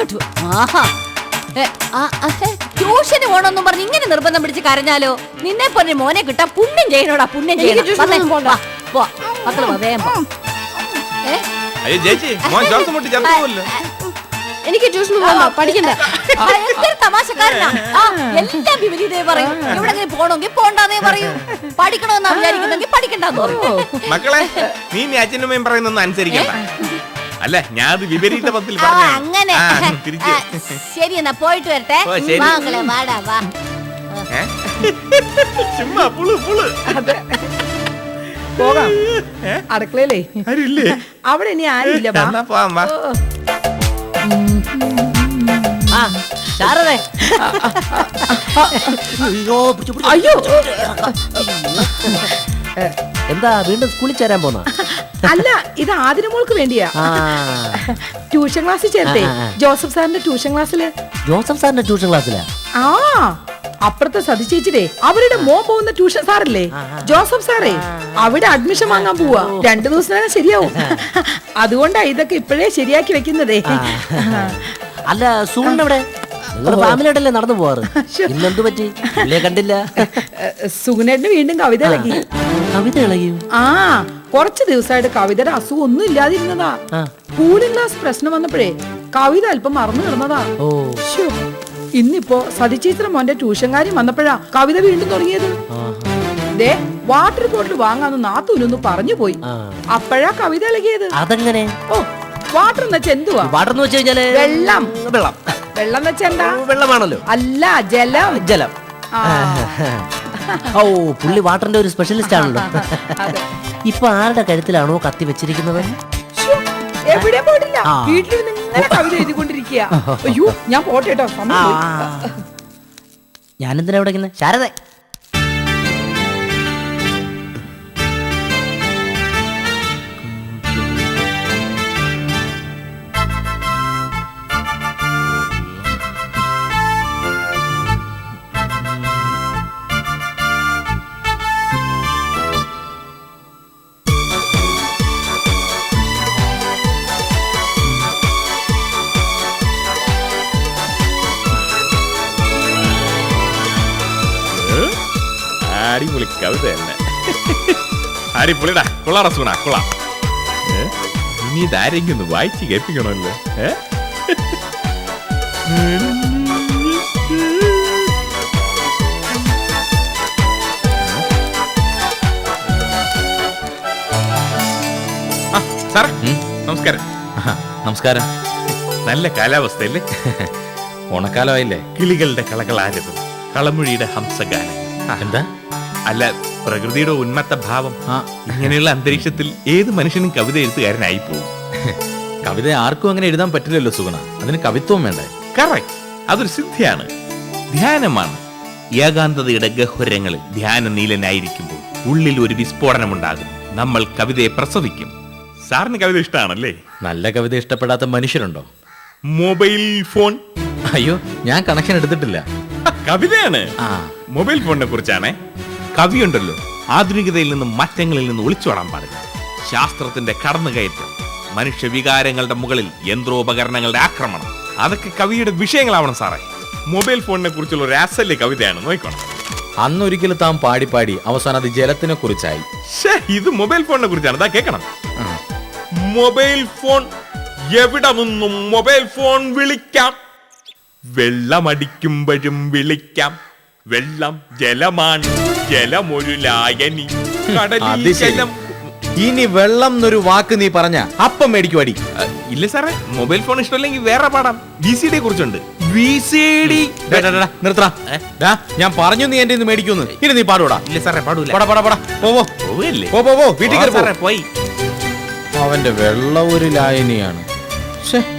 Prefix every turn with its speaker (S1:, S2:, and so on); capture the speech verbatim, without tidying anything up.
S1: ട്യൂഷന് പോണെന്നും പറഞ്ഞ് ഇങ്ങനെ നിർബന്ധം പിടിച്ച് കരഞ്ഞാലോ? നിന്നെ പോലെ മോനെ കിട്ടാൻ പുണ്യം ചെയ്യണോടാ, പുണ്യം ചെയ്യണം. മക്കള് വേഗം പോ.
S2: എനിക്ക് ട്യൂഷന് പോകണ്ട, പഠിക്കണ്ട.
S1: തമാശക്കാരനാ, എല്ലാം വിപരീതേ പറയും. എവിടെങ്കിലും പോണമെങ്കിൽ പോണ്ടാന്നേ പറയൂ. പഠിക്കണമെന്നാ വിചാരിക്കുന്നെങ്കിൽ പഠിക്കണ്ടെന്ന് പറയും.
S3: മക്കളെ, നീ അച്ഛനും പറയുന്നൊന്നും അനുസരിക്കണ്ട. അല്ല, ഞാൻ വിപരീത പത്തിൽ
S1: അങ്ങനെ. ശരി, എന്നാ പോയിട്ട് വരട്ടെ. മകളെ വാടാ വാ.
S3: ചുമ്മാ പുളു പുളു.
S4: പോകാം. അടുക്കളയിലേ അവിടെ ഇനി ആരില്ല.
S5: അയ്യോ, എന്താ വീണ്ടും സ്കൂളിൽ ചേരാൻ പോന്ന?
S4: അല്ല, ഇത് ആതിര മോൾക്ക് വേണ്ടിയാ. ട്യൂഷൻ ക്ലാസ്സിൽ ചേർത്തേ, ജോസഫ് സാറിന്റെ ട്യൂഷൻ ക്ലാസ്സില്.
S5: ജോസഫ് സാറിന്റെ ട്യൂഷൻ ക്ലാസ്സിലാ?
S4: ആ, അപ്പുറത്തെ സതി ചേച്ചിയുടെ അവരുടെ മോ പോകുന്ന ട്യൂഷൻ സാറില്ലേ, ജോസഫ് സാറേ, അവിടെ അഡ്മിഷൻ വാങ്ങാൻ പോവാ. രണ്ടു ദിവസം ശരിയാവും. അതുകൊണ്ടാ ഇതൊക്കെ ഇപ്പോഴേ ശരിയാക്കി വെക്കുന്നതേ.
S5: അല്ല, സൂണിനെവിടെ? നിങ്ങളുടെ ഫാമിലിയോടല്ലേ നടന്നു പോവാറ്? ഇന്നെന്തു പറ്റി? കണ്ടില്ല.
S4: സുഗുണേട്ടന് വീണ്ടും കവിത ഇളകി.
S5: കവിത ഇളകിയോ?
S4: ആ, കുറച്ച് ദിവസമായിട്ട് കവിതയുടെ അസുഖം ഒന്നും ഇല്ലാതിരുന്നതാ. കൂളിംഗ് ഗ്ലാസ് പ്രശ്നം വന്നപ്പോഴേ കവിത അല്പം മറന്നു കിടന്നതാ. ഇന്നിപ്പോ സതിചിത്ര മോന്റെ ട്യൂഷൻ കാര്യം വന്നപ്പോഴാ കവിത വീണ്ടും തുടങ്ങിയത്. ദേ, വാട്ടർ ബോട്ടിൽ വാങ്ങാന്ന് നാത്തൂനൊന്ന് പറഞ്ഞു പോയി. അപ്പോഴാ കവിത ഇളകിയത്.
S5: അതെങ്ങനെ?
S4: ഓ, വാട്ടർ എന്ന് വെച്ചാ എന്തുവാ?
S5: വാട്ടർ എന്ന് വെച്ച് കഴിഞ്ഞാല്
S4: വെള്ളം.
S5: വെള്ളം
S4: വെള്ളം എന്ന് വെച്ചാ എന്താ?
S5: വെള്ളമാണല്ലോ.
S4: അല്ല, ജലം.
S5: ജലം. ഓ, പുള്ളി വാട്ടറിന്റെ ഒരു സ്പെഷ്യലിസ്റ്റ് ആണല്ലോ. ഇപ്പൊ ആരുടെ കഴുത്തിലാണോ കത്തി വെച്ചിരിക്കുന്നത്?
S4: എവിടെ പോയിട്ടില്ല, വീട്ടിൽ ഇങ്ങനെ കവിത എഴുതിക്കൊണ്ടിരിക്കുക. അയ്യോ, ഞാൻ പോട്ടെ കേട്ടോ.
S5: ഞാനെന്തിനാ ഇവിടെ? ശാരദ,
S3: അടിപൊളി കവിത തന്നെ. അടിപൊളിടാ, കൊള്ളാറ സൂണ, കൊള്ളാം. ഇനി ഇതാരെങ്കിലും ഒന്ന് വായിച്ച് കേൾപ്പിക്കണമല്ലോ. സാറേ, നമസ്കാരം.
S6: നമസ്കാരം.
S3: നല്ല കാലാവസ്ഥയല്ലേ?
S6: ഓണക്കാലമായില്ലേ?
S3: കിളികളുടെ കളകളാരവം, കളമൊഴിയുടെ ഹംസഗാനം.
S6: എന്താ?
S3: അല്ല, പ്രകൃതിയുടെ ഉന്മത്ത ഭാവം. ഇങ്ങനെയുള്ള അന്തരീക്ഷത്തിൽ ഏത് മനുഷ്യനും കവിത എഴുത്തുകാരനായി പോകും.
S6: കവിത ആർക്കും അങ്ങനെ എഴുതാൻ പറ്റില്ലല്ലോ സുഗുണ, അതിന് കവിത്വം വേണ്ടേ?
S3: കറക്റ്റ്, അതൊരു സിദ്ധിയാണ്, ധ്യാനമാണ്. ഏകാന്തതയുടെ ഗഹ്വരങ്ങളിൽ ധ്യാന നീലനായിരിക്കുമ്പോൾ ഉള്ളിൽ ഒരു വിസ്ഫോടനമുണ്ടാകും. നമ്മൾ കവിതയെ പ്രസവിക്കും. സാറിന് കവിത ഇഷ്ടമാണല്ലേ?
S6: നല്ല കവിത ഇഷ്ടപ്പെടാത്ത മനുഷ്യരുണ്ടോ?
S3: Mobile phone.
S6: അയ്യോ, ഞാൻ കണക്ഷൻ എടുത്തിട്ടില്ല.
S3: കവിതയാണ്. മൊബൈൽ ഫോണിനെ കുറിച്ചാണ്. കവിയുണ്ടല്ലോ, ആധുനികതയിൽ നിന്നും മാറ്റങ്ങളിൽ നിന്ന് ഒളിച്ചോടാൻ പാടില്ല. ശാസ്ത്രത്തിന്റെ കടന്നുകയറ്റം, മനുഷ്യ വികാരങ്ങളുടെ മുകളിൽ യന്ത്രോപകരണങ്ങളുടെ ആക്രമണം, അതൊക്കെ കവിയുടെ വിഷയങ്ങളാവണം സാറേ. മൊബൈൽ ഫോണിനെ കുറിച്ചുള്ള ഒരു അസല് കവിതയാണ്, നോക്കണം.
S6: അന്നൊരിക്കലും താൻ പാടി പാടി അവസാനം അത് ജലത്തിനെ കുറിച്ചായി.
S3: ഇത് മൊബൈൽ ഫോണിനെ കുറിച്ചാണ്, ഇതാ കേൾക്കണം. മൊബൈൽ ഫോൺ, എവിടെ നിന്നും മൊബൈൽ ഫോൺ വിളിക്കാം, വെള്ളമടിക്കുമ്പോഴും വിളിക്കാം. വെള്ളം ജലമാണ്, ജലമൊരു ലായനി, കടലിൽ ജലം.
S6: ഇനി വെള്ളം എന്നൊരു വാക്ക് നീ പറഞ്ഞ അപ്പം മേടിക്കും അടി.
S3: ഇല്ല സാറേ, മൊബൈൽ ഫോൺ ഇഷ്ടമല്ലെങ്കിൽ വേറെ പാടാം. വി സി ഡി കുറിച്ചുണ്ട്. വി സി ഡി
S6: നിർത്തടാ, ഞാൻ പറഞ്ഞു നീ എന്റെ മേടിക്കുന്നു. ഇനി നീ പാടൂടാ.
S3: ഇല്ല സാറേ, പാടൂല.
S6: പടാ പടാ പടാ, പോവോ
S3: പോവല്ലേ,
S6: പോ പോ, വീട്ടിൽ
S3: പോയി.
S6: അവന്റെ വെള്ളം ഒരു ലായനിയാണ്.